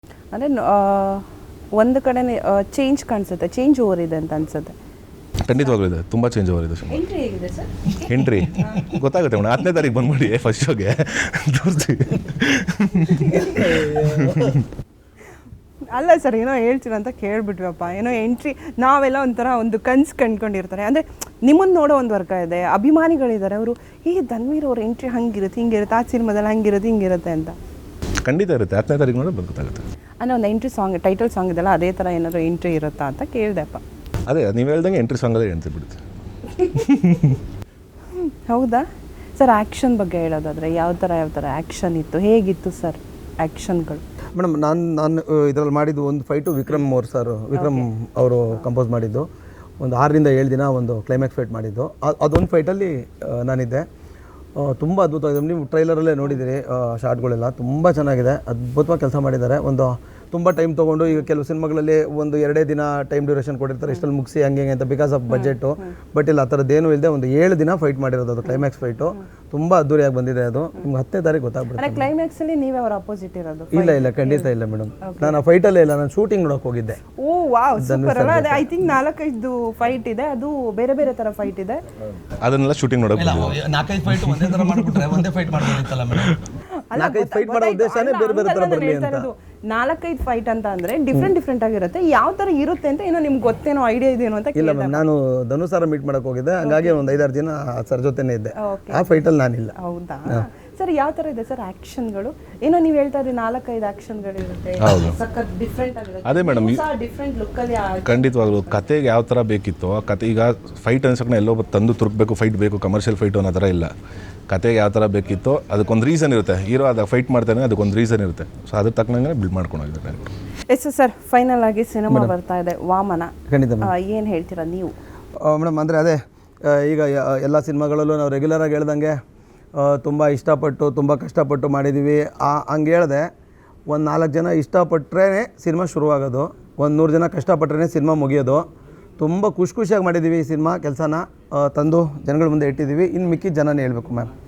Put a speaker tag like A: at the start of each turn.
A: ಅಂದರೆ ಒಂದು ಕಡೆ ಚೇಂಜ್ ಕಾಣಿಸುತ್ತೆ, ಚೇಂಜ್ ಓವರ್ ಇದೆ ಅಂತ ಅನ್ಸುತ್ತೆ.
B: ಖಂಡಿತವಾಗ್ಲೂ ಇದೆ, ತುಂಬ ಚೇಂಜ್ ಓವರ್ ಇದೆ ಸುಮ್ಮನೆ.
A: ಎಂಟ್ರಿ ಹೇಗಿದೆ ಸರ್?
B: ಎಂಟ್ರಿ ಗೊತ್ತಾಗುತ್ತೆ ಮೇಡಮ್, 10ನೇ ತಾರೀಕು ಬಂದ್ಬಿಡಿ ಫಸ್ಟ್ ಶೋಗೆ ತೋರಿಸ್ತೀವಿ.
A: ಅಲ್ಲ ಸರ್, ಏನೋ ಹೇಳ್ತೀರ ಅಂತ ಕೇಳ್ಬಿಟ್ವಪ್ಪ. ಏನೋ ಎಂಟ್ರಿ ನಾವೆಲ್ಲ ಒಂಥರ ಒಂದು ಕನ್ಸು ಕಂಡ್ಕೊಂಡಿರ್ತಾರೆ. ಅಂದರೆ ನಿಮ್ಮನ್ನು ನೋಡೋ ಒಂದು ವರ್ಗ ಇದೆ, ಅಭಿಮಾನಿಗಳಿದ್ದಾರೆ, ಅವರು ಧನ್ವೀರ್ ಅವ್ರ ಎಂಟ್ರಿ ಹಂಗಿರುತ್ತೆ ಹಿಂಗಿರುತ್ತೆ, ಆ ಸಿನಿಮಾದಲ್ಲಿ ಹಂಗಿರುತ್ತೆ ಹಿಂಗಿರುತ್ತೆ ಅಂತ.
B: ಖಂಡಿತ ಇರುತ್ತೆ, 10ನೇ ತಾರೀಕು ನೋಡಿ ಗೊತ್ತಾಗುತ್ತೆ.
A: ಅಂದರೆ ಒಂದು ಎಂಟ್ರಿ ಸಾಂಗ್, ಟೈಟಲ್ ಸಾಂಗ್ ಇದೆಲ್ಲ ಅದೇ ಥರ ಏನಾದರೂ ಎಂಟ್ರಿ ಇರುತ್ತಾ ಅಂತ ಕೇಳಿದೆಪ್ಪ.
B: ಅದೇ ನೀವು ಹೇಳ್ದಂಗೆ ಎಂಟ್ರಿ ಸಾಂಗಲ್ಲೇ ಎಂಟ್ರಿ ಬಿಡುತ್ತೆ.
A: ಹೌದಾ ಸರ್? ಆ್ಯಕ್ಷನ್ ಬಗ್ಗೆ ಹೇಳೋದಾದರೆ ಯಾವ ಥರ ಆ್ಯಕ್ಷನ್ ಇತ್ತು, ಹೇಗಿತ್ತು ಸರ್ ಆ್ಯಕ್ಷನ್ಗಳು?
C: ಮೇಡಮ್ ನಾನು ಇದರಲ್ಲಿ ಮಾಡಿದ್ದು ಒಂದು ಫೈಟು ವಿಕ್ರಮ್ ಅವರು ಕಂಪೋಸ್ ಮಾಡಿದ್ದು. ಒಂದು 6ರಿಂದ 7 ದಿನ ಒಂದು ಕ್ಲೈಮ್ಯಾಕ್ಸ್ ಫೈಟ್ ಮಾಡಿದ್ದು. ಅದೊಂದು ಫೈಟಲ್ಲಿ ನಾನಿದ್ದೆ. ತುಂಬ ಅದ್ಭುತವಾಗಿದೆ. ನೀವು ಟ್ರೈಲರಲ್ಲೇ ನೋಡಿದ್ದೀರಿ, ಶಾರ್ಟ್ಗಳೆಲ್ಲ ತುಂಬ ಚೆನ್ನಾಗಿದೆ, ಅದ್ಭುತವಾಗಿ ಕೆಲಸ ಮಾಡಿದ್ದಾರೆ. ಒಂದು ತುಂಬ ಟೈಮ್ ತೊಗೊಂಡು, ಈಗ ಕೆಲವು ಸಿನಿಮಾಗಳಲ್ಲಿ ಒಂದು 2 ದಿನ ಟೈಮ್ ಡ್ಯೂರೇಷನ್ ಕೊಟ್ಟಿರ್ತಾರೆ, ಇಷ್ಟಲ್ಲಿ ಮುಗಿಸಿ ಹಂಗೆ ಅಂತ, ಬಿಕಾಸ್ ಆಫ್ ಬಜೆಟು. ಬಟ್ ಇಲ್ಲ, ಆ ಥರದ್ದೇನೂ ಇಲ್ಲದೆ ಒಂದು 7 ದಿನ ಫೈಟ್ ಮಾಡಿರೋದು. ಅದು ಕ್ಲೈಮ್ಯಾಕ್ಸ್ ಫೈಟು ತುಂಬ ಅದ್ದೂರಿಯಾಗಿ ಬಂದಿದೆ. ಅದು ನಿಮ್ಗೆ 10ನೇ ತಾರೀಕು ಗೊತ್ತಾಗ್ಬಿಡುತ್ತೆ.
A: ಕ್ಲೈಮ್ಯಾಕ್ಸಲ್ಲಿ ನೀವೇ ಅವ್ರ ಅಪೋಸಿಟ್ ಇರೋದು?
C: ಇಲ್ಲ ಖಂಡಿತ ಇಲ್ಲ ಮೇಡಮ್, ನಾನು ಆ ಫೈಟಲ್ಲೇ ಇಲ್ಲ, ನಾನು ಶೂಟಿಂಗ್ ನೋಡೋಕೆ ಹೋಗಿದ್ದೆ.
A: ಓ ವಾವ್, ಸೂಪರ್ ಅಲ್ಲ? ಅದೇ ಐ ಥಿಂಕ್ 4-5 ಫೈಟ್ ಇದೆ, ಅದು ಬೇರೆ ಬೇರೆ ಥರ ಫೈಟ್ ಇದೆ.
B: ಅದನ್ನೆಲ್ಲ ಶೂಟಿಂಗ್ ನೋಡೋಕೆ
D: 4-5 ಫೈಟ್ ಒಂದೇ ಥರ ಮಾಡಿಬಿಟ್ರೆ ಒಂದೇ ಫೈಟ್ ಮಾಡ್ಬೋದಿತ್ತಲ್ಲ ಮೇಡಮ್.
C: 4-5 ಫೈಟ್ ಮಾಡೋ ಉದ್ದೇಶನೇ ಬೇರೆ ಬೇರೆ ಥರ ಬರಲಿ ಅಂತ.
A: 4-5 ಫೈಟ್ ಅಂತ ಅಂದರೆ ಡಿಫ್ರೆಂಟ್ ಆಗಿರುತ್ತೆ. ಯಾವ ಥರ ಇರುತ್ತೆ ಅಂತ ಏನೋ ನಿಮ್ಗೆ ಗೊತ್ತೇನೋ, ಐಡಿಯಾ ಇದೆಯೇನೋ ಅಂತ.
C: ಇಲ್ಲ ಮ್ಯಾಮ್, ನಾನು ಧನುಷ್ ಸರ್ ಮೀಟ್ ಮಾಡಕ್ಕೆ ಹೋಗಿದ್ದೆ, ಹಂಗಾಗಿ ಒಂದು 5-6 ದಿನ ಸರ್ ಜೊತೆನೇ ಇದ್ದೆ. ಆ ಫೈಟಲ್ಲಿ ನಾನಿಲ್ಲ.
A: ಹೌದಾ ಸರ್? ಯಾವ ಥರ ಇದೆ ಸರ್ ಆ್ಯಕ್ಷನ್ಗಳು? ಏನೋ ನೀವು ಹೇಳ್ತಾ ಇದ್ರಿ 4-5 ಆ್ಯಕ್ಷನ್ಗಳು ಇರುತ್ತೆ, ಸಖತ್ ಡಿಫ್ರೆಂಟ್ ಆಗಿರುತ್ತೆ.
B: ಅದೇ ಮೇಡಮ್,
A: ಡಿಫ್ರೆಂಟ್ ಲುಕ್ಕಲ್ಲಿ.
B: ಖಂಡಿತವಾಗ್ಲೂ ಕತೆಗೆ ಯಾವ ಥರ ಬೇಕಿತ್ತು ಆ ಕತೆ. ಈಗ ಫೈಟ್ ಅನ್ಸಕ್ಕೆ ಎಲ್ಲೋ ತಂದು ತುರುಕಬೇಕು, ಫೈಟ್ ಬೇಕು, ಕಮರ್ಷಿಯಲ್ ಫೈಟು ಅನ್ನೋ ಥರ ಇಲ್ಲ. ಕತೆಗೆ ಯಾವ ಥರ ಬೇಕಿತ್ತು ಅದಕ್ಕೊಂದು ರೀಸನ್ ಇರುತ್ತೆ. ಹೀರೋ ಅದ ಫೈಟ್ ಮಾಡ್ತಾನೆ, ಅದಕ್ಕೊಂದು ರೀಸನ್ ಇರುತ್ತೆ. ಸೊ ಅದ್ರ ತಕ್ಕನಂಗೆ ಬಿಲ್ಡ್ ಮಾಡ್ಕೊಂಡೋಗಿದ್ದಾರೆ.
A: ಎಸ್ ಸರ್, ಫೈನಲ್ ಆಗಿ ಸಿನಿಮಾ ಬರ್ತಾ ಇದೆ ವಾಮನ.
C: ಖಂಡಿತ
A: ಏನು ಹೇಳ್ತೀರಾ ನೀವು
C: ಮೇಡಮ್? ಅಂದರೆ ಅದೇ, ಈಗ ಎಲ್ಲ ಸಿನಿಮಾಗಳಲ್ಲೂ ನಾವು ರೆಗ್ಯುಲರಾಗಿ ಹೇಳ್ದಂಗೆ ತುಂಬ ಇಷ್ಟಪಟ್ಟು ತುಂಬ ಕಷ್ಟಪಟ್ಟು ಮಾಡಿದ್ದೀವಿ. ಹಂಗೆ ಹೇಳಿದೆ, ಒಂದು 4 ಜನ ಇಷ್ಟಪಟ್ಟರೆ ಸಿನಿಮಾ ಶುರುವಾಗೋದು, ಒಂದು 100 ಜನ ಕಷ್ಟಪಟ್ಟರೆ ಸಿನಿಮಾ ಮುಗಿಯೋದು. ತುಂಬ ಖುಷಿಯಾಗಿ ಮಾಡಿದ್ದೀವಿ ಈ ಸಿನಿಮಾ ಕೆಲಸನ, ತಂದು ಜನಗಳ ಮುಂದೆ ಇಟ್ಟಿದ್ದೀವಿ. ಇನ್ನು ಮಿಕ್ಕಿದ ಜನನೇ ಹೇಳಬೇಕು ಮ್ಯಾಮ್.